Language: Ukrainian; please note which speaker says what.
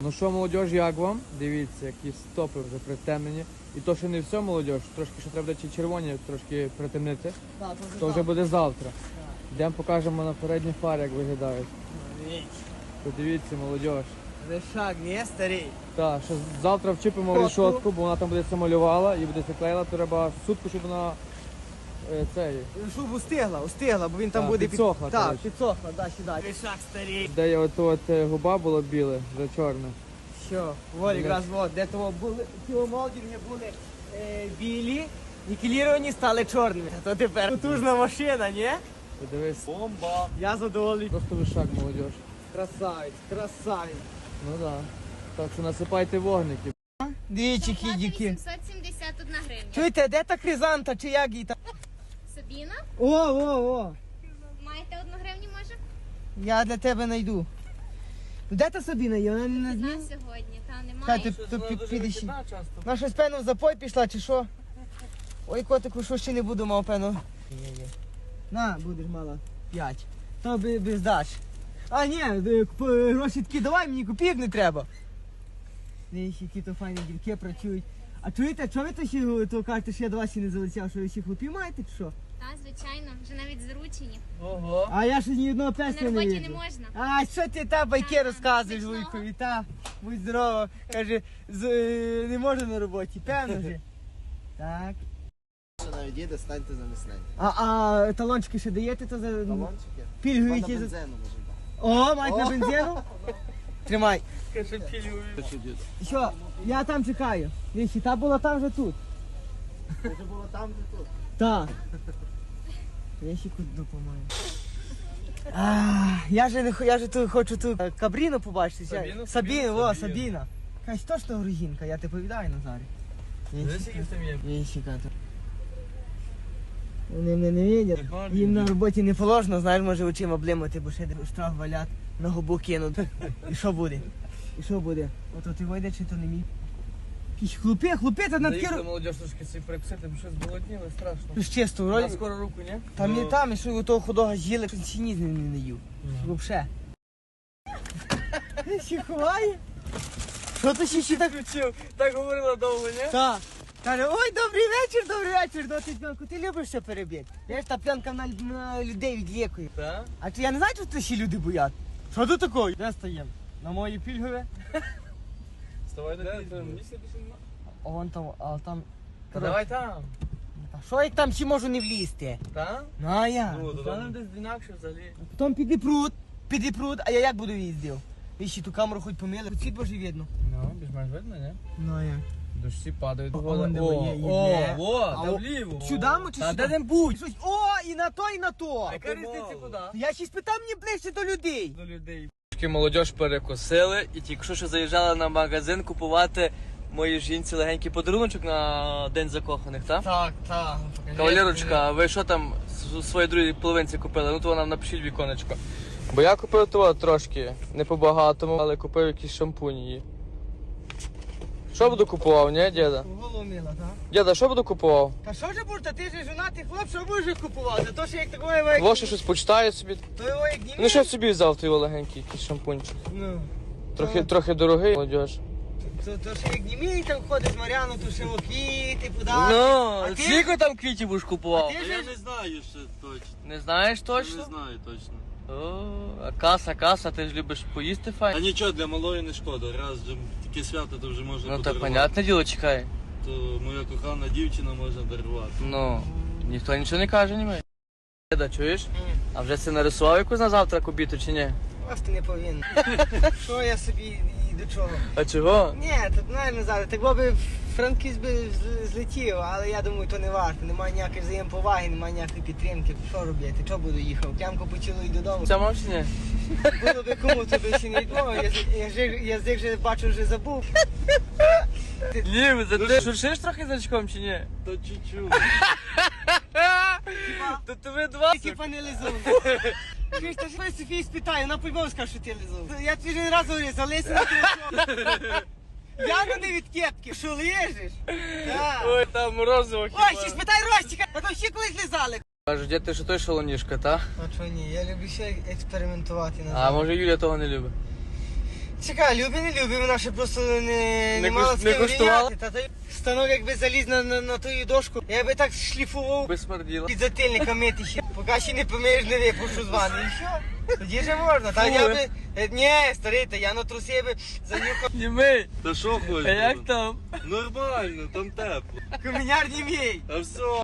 Speaker 1: Ну що, молодіж, як вам? Дивіться, які стопи вже притемнені. І то, що не все, молодіж, трошки ще треба чи червоні трошки притемнити.
Speaker 2: Так,
Speaker 1: То вже буде завтра. Йдемо покажемо на передні фари, як виглядають. Подивіться, молодіж.
Speaker 2: Лишак, не старий.
Speaker 1: Так, що завтра вчепимо
Speaker 2: Фотку.
Speaker 1: рішотку, бо вона там буде це малювала і буде це клеїла, то треба сутку, щоб вона цей.
Speaker 2: Щоб устигла, бо він там
Speaker 1: Так,
Speaker 2: буде
Speaker 1: підсохла,
Speaker 2: Так,
Speaker 1: коротше.
Speaker 2: підсохла, да, сюди. Лишак старий.
Speaker 1: Де є от губа була біле, вже чорне.
Speaker 2: Що, волі, якраз от, де того були, ті молдинги були білі, нікеліровані, стали чорними. А то тепер потужна машина, ні?
Speaker 1: Подивись,
Speaker 2: Бомба. Я задоволений.
Speaker 1: просто вишак, молодіж.
Speaker 2: Красавець, красавець.
Speaker 1: Ну так. Так що насипайте вогники.
Speaker 2: Двічі кідіки.
Speaker 3: 871 гривня.
Speaker 2: Чуєте, де та хризанта, чи як її там?
Speaker 3: Сабіна,
Speaker 2: О.
Speaker 3: маєте 1 гривню, може?
Speaker 2: Я для тебе знайду. Де та Сабіна є? Вона не на
Speaker 3: На
Speaker 2: дні?
Speaker 3: сьогодні, та
Speaker 2: Хай
Speaker 3: немає.
Speaker 2: ти підеш. Вона щось певно в запой пішла, чи що? Ой, котику, що ще не буду мав, певно. На, будеш мала 5. То би здач. А, ні, гроші такі давай, мені копійок не треба. Дивіться, які то файні дівки працюють. А чуєте, чого ви то ще то кажете, що я до вас ще не залетів, що ви ще хлопів маєте, чи що?
Speaker 3: Та, звичайно, вже навіть заручені.
Speaker 1: Ого.
Speaker 2: А я ще ні одного
Speaker 3: На
Speaker 2: песня не
Speaker 3: роботі не
Speaker 2: їду.
Speaker 3: можна.
Speaker 2: А що ти та байки
Speaker 3: Ага,
Speaker 2: розказуєш,
Speaker 3: смачного.
Speaker 2: Вуйкові, та? Будь здорова. Каже, не можна на роботі, певно же. Так.
Speaker 4: Якщо навіть їде, станьте за міснень.
Speaker 2: А талончики ще даєте, то за
Speaker 4: Талончики?
Speaker 2: пільгові
Speaker 4: Можна
Speaker 2: ті за...
Speaker 4: бензину можемо дати.
Speaker 2: О, мають на бензину? Тримай.
Speaker 4: Що, дід?
Speaker 2: Що, я там чекаю. Віщі, та була там же тут.
Speaker 4: Це вже було там, де тут.
Speaker 2: Так. Я ще куди допомагаю. Я же тут хочу ту Кабріну побачити.
Speaker 1: Сабіну?
Speaker 2: Сабіну, о,
Speaker 1: Сабіну.
Speaker 2: Сабіна. Кась точно грузинка, я тебе повідаю, Назарі. Віщика тут. Вони мене не видять. Їм на роботі не положено, знаєш, може очима блимати, бо ще штраф валять, на губу кинуть. І що буде? І що буде? Ото ти вийде, чи то не мій? Якісь хлопи, та на такі...
Speaker 1: Заїхали, молодіж, трошки собі перекусити, бо щось зголодніли, страшно.
Speaker 2: Ж чисто,
Speaker 1: На
Speaker 2: вроді.
Speaker 1: скоро руку, ні?
Speaker 2: Там і там, і що у того худого з'їли, що ще ні не їв. Вообще. Ще ховає? Що ти ще так
Speaker 1: Включив, так говорила довго, ні?
Speaker 2: Так. Каже, ой, добрий вечір, доти п'янку. Ти любиш що перебити? Я ж та п'янка на людей відлікує.
Speaker 1: Так?
Speaker 2: А чи я не знаю, що це ще люди боять? Що тут такое? Де стоїм? На моїй пільгові?
Speaker 1: Вставай до місця більше нема.
Speaker 2: А вон там, а там...
Speaker 1: Та давай там.
Speaker 2: Та що як там ще можу не влізти?
Speaker 1: Так?
Speaker 2: Ну а я?
Speaker 1: Ну, там десь інакше взагалі.
Speaker 2: Потім піди пруд, а я як буду їздив? Ви ще ту камеру хоч помили, тут світ боже видно.
Speaker 1: Ну, більш-менш видно, ні?
Speaker 2: Ну а як?
Speaker 1: Дощі падають.
Speaker 2: О, вон де є, є.
Speaker 1: О,
Speaker 2: А
Speaker 1: та
Speaker 2: о-
Speaker 1: вліво.
Speaker 2: Сюди ми чи
Speaker 1: Та
Speaker 2: сюди?
Speaker 1: де-небудь.
Speaker 2: Щось, о, і на то, і на то.
Speaker 1: Яка різниця куди?
Speaker 2: Я ще спитав мені ближче до людей.
Speaker 1: До людей. Трішки молодіж перекусили і тільки що заїжджали на магазин купувати моїй жінці легенький подаруночок на День закоханих, так?
Speaker 2: Так.
Speaker 1: Кавалерочка, а ви що там своїй другій половинці купили? Ну то вона напишіть в віконечко. Бо я купив того трошки, не по-багатому, але купив якісь шампуні її. Що буду купував, ні, діда?
Speaker 2: Голову мила, так?
Speaker 1: Діда, що буду купував?
Speaker 2: Та що ж будеш, та ти ж жонатий хлоп, що будеш купувати? То що як такого як...
Speaker 1: Лоше щось почитаю собі.
Speaker 2: То його як
Speaker 1: Ну що собі взяв той легенький якийсь шампунчик?
Speaker 2: Ну.
Speaker 1: Трохи дорогий, молодіж.
Speaker 2: То що як німій там ходиш, Мар'яну, то ще квіти, подарки.
Speaker 1: Ну,
Speaker 2: А ти-
Speaker 1: скільки там квітів будеш купував?
Speaker 2: ти ж-
Speaker 4: Я не знаю ще точно.
Speaker 1: Не знаєш
Speaker 4: Не
Speaker 1: точно?
Speaker 4: знаю точно.
Speaker 1: О, а каса, ти ж любиш поїсти
Speaker 4: А
Speaker 1: файн?
Speaker 4: нічого, для малої не шкода. Раз вже таке свято, то вже можна
Speaker 1: Ну так
Speaker 4: подарувати.
Speaker 1: понятне діло, чекай.
Speaker 4: То моя кохана дівчина може дарувати.
Speaker 1: Ну, ніхто нічого не каже, ні. Деда, чуєш? А вже це нарисував якусь на завтра обіду чи ні?
Speaker 2: Просто не повинен. Що я собі і до чого?
Speaker 1: А чого?
Speaker 2: Ні, тут не зараз. Так би Франківськ би злетів, але я думаю, то не варто. Немає ніякої взаємоповаги, немає ніякої підтримки. Що робити? Чого буду їхав? Клямку поцілую додому.
Speaker 1: Це мав чи ні?
Speaker 2: Було би кому, то би ще не відмовив. Я з них вже бачу, вже забув.
Speaker 1: Ні, за ти шуршиш трохи значком чи ні?
Speaker 4: То чуть-чуть.
Speaker 1: То тебе два.
Speaker 2: Типа не лизун. Чуєш, та ж ви Софії спитаю, вона по-любому скаже, що ти лизун. Я тобі вже раз говорю, залися на телефон. Я не від кепки, що лежиш? Так.
Speaker 1: Ой, там морозиво
Speaker 2: Ой, ще спитай Ростіка, а то ще колись лизали.
Speaker 1: Кажуть, дід, ти що той шалунішка, та?
Speaker 2: А чого ні, я люблю ще експериментувати.
Speaker 1: А може Юля того не любить?
Speaker 2: Чекай, любі, не любі, вона ще просто не
Speaker 1: Не
Speaker 2: мала
Speaker 1: куш-
Speaker 2: з
Speaker 1: не
Speaker 2: ким
Speaker 1: куштувала?
Speaker 2: рівняти. Та той станок якби заліз на ту дошку, я би так шліфував
Speaker 1: Би смерділо.
Speaker 2: під затильника мити ще. Поки ще не помиєш, не випушу з ванни. І що? Тоді вже можна. Та
Speaker 1: Фу.
Speaker 2: я би... Ні, старий, та я на труси би занюхав
Speaker 1: Німий,
Speaker 4: Та що хочеш?
Speaker 1: а як там?
Speaker 4: Нормально, там тепло.
Speaker 2: коміняр не мій.
Speaker 4: А все.